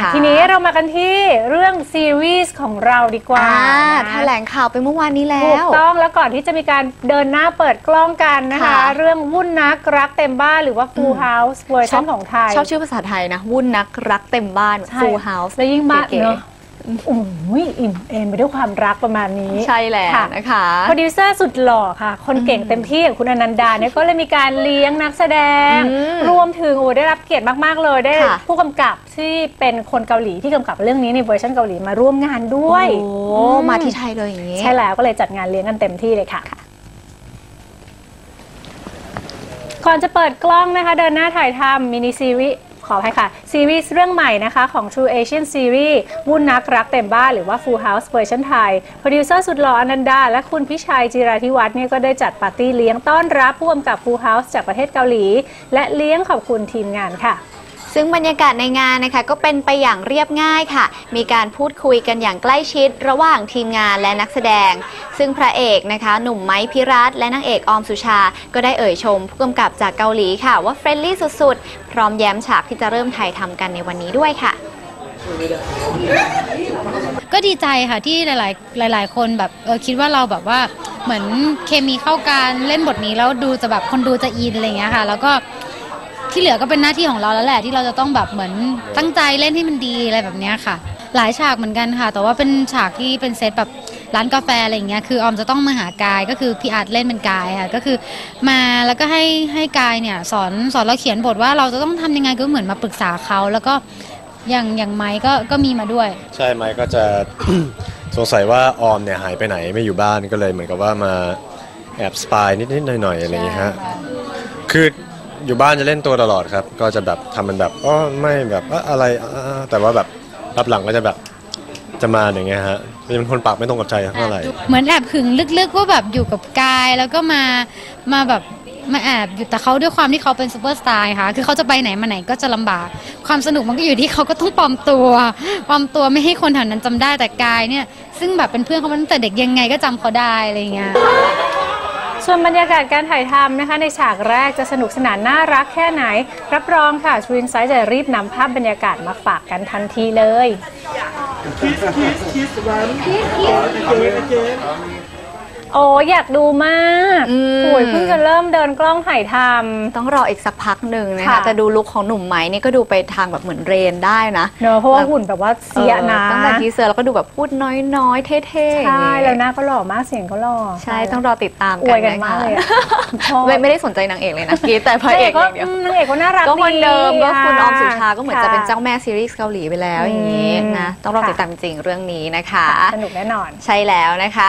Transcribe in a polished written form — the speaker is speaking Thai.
ทีนี้เรามากันที่เรื่องซีรีส์ของเราดีกว่าแถลงข่าวไปเมื่อวานนี้แล้วถูกต้องแล้วก่อนที่จะมีการเดินหน้าเปิดกล้องกันนะคะเรื่องวุ่นนักรักเต็มบ้านหรือว่า Full House เวอร์ชันของไทยชอบชื่อภาษาไทยนะวุ่นนักรักเต็มบ้าน Full House และยิ่งบ้านเนาะโอ้ยอิ่มเอมไปด้วยความรักประมาณนี้ใช่แล้วนะคะโปรดิวเซอร์สุดหล่อค่ะคนเก่งเต็มที่อย่างคุณอนันดาเนี่ยก็เลยมีการเลี้ยงนักแสดงรวมถึงได้รับเกียรติมากๆเลยได้ผู้กำกับที่เป็นคนเกาหลีที่กำกับเรื่องนี้ในเวอร์ชันเกาหลีมาร่วมงานด้วยมาที่ไทยเลยอย่างนี้ใช่แล้วก็เลยจัดงานเลี้ยงกันเต็มที่เลยค่ะก่อนจะเปิดกล้องนะคะเดินหน้าถ่ายทำมินิซีรีส์ขออภัยค่ะซีรีส์เรื่องใหม่นะคะของ True Asian Series วุ่นนักรักเต็มบ้านหรือว่า Full House เวอร์ชันไทยโปรดิวเซอร์สุดหล่ออนันดาและคุณพิชัยจิราธิวัฒน์เนี่ยก็ได้จัดปาร์ตี้เลี้ยงต้อนรับผู้กำกับ Full House จากประเทศเกาหลีและเลี้ยงขอบคุณทีมงานค่ะซึ่งบรรยากาศในงานนะคะก็เป็นไปอย่างเรียบง่ายค่ะมีการพูดคุยกันอย่างใกล้ชิดระหว่างทีมงานและนักแสดงซึ่งพระเอกนะคะหนุ่มไม้พิรัตน์และนางเอกออมสุชาก็ได้เอ่ยชมผู้กำกับจากเกาหลีค่ะว่าเฟรนลี่สุดๆพร้อมแย้มฉากที่จะเริ่มถ่ายทำกันในวันนี้ด้วยค่ะก็ดีใจค่ะที่หลายคนแบบคิดว่าเราแบบว่าเหมือนเคมีเข้ากันเล่นบทนี้แล้วดูจะแบบคนดูจะอินอะไรอย่างเงี้ยค่ะแล้วก็ที่เหลือก็เป็นหน้าที่ของเราแล้วแหละที่เราจะต้องแบบเหมือนตั้งใจเล่นให้มันดีอะไรแบบนี้ค่ะหลายฉากเหมือนกันค่ะแต่ว่าเป็นฉากที่เป็นเซตแบบร้านกาแฟอะไรอย่างเงี้ยคือออมจะต้องมาหากายก็คือพี่อาร์ตเล่นเป็นกายค่ะก็คือมาแล้วก็ให้กายเนี่ยสอนเราเขียนบทว่าเราจะต้องทำยังไงก็เหมือนมาปรึกษาเขาแล้วก็อย่างไม้ก็มีมาด้วยใช่ไม้ก็จะ สงสัยว่าออมเนี่ยหายไปไหนไม่อยู่บ้านก็เลยเหมือนกับว่ามาแอบสปายนิดๆหน่อยๆอะไรอย่างเงี้ยฮะคืออยู่บ้านจะเล่นตัวตลอดครับก็จะแบบทำมันแบบไม่แบบอะไรแต่ว่าแบบรับหลังก็จะแบบจะมาอย่างเงี้ยฮะเป็นคนปากไม่ตรงกับใจเท่าไหร่เหมือนแอบหึงลึกๆว่าแบบอยู่กับกายแล้วก็มาแบบมาแอบอยู่แต่เขาด้วยความที่เขาเป็นซูเปอร์สตาร์ค่ะคือเขาจะไปไหนมาไหนก็จะลำบากความสนุกมันก็อยู่ที่เขาก็ต้องปลอมตัวไม่ให้คนแถวนั้นจำได้แต่กายเนี่ยซึ่งแบบเป็นเพื่อนเขามาตั้งแต่เด็กยังไงก็จำเขาได้อะไรอย่างเงี้ยส่วนบรรยากาศการถ่ายทำนะคะในฉากแรกจะสนุกสนานน่ารักแค่ไหนรับรองค่ะชูอินไซด์จะรีบนำภาพบรรยากาศมาฝากกันทันทีเลยโอ้อยากดูมากโอ้ยเพิ่งจะเริ่มเดินกล้องถ่ายทำต้องรออีกสักพักหนึ่งนะคะแต่ดูลุคของหนุ่มไม้นี่ก็ดูไปทางแบบเหมือนเรนได้นะเนอะเพราะว่าหุ่นแบบว่าเสียนะตั้งแต่ทีเซอร์แล้วก็ดูแบบพูดน้อยๆเท่ๆใช่แล้วหน้าก็หล่อมากเสียงก็หล่อใช่ต้องรอติดตามกันนะคะไม่ได้สนใจนางเอกเลยนะกีแต่พระเอกอย่างเดียวนางเอกก็น่ารักก็คนเดิมก็คุณออมสุชาก็เหมือนจะเป็นเจ้าแม่ซีรีส์เกาหลีไปแล้วอย่างนี้นะต้องรอติดตามจริงเรื่องนี้นะคะสนุกแน่นอนใช่แล้วนะคะ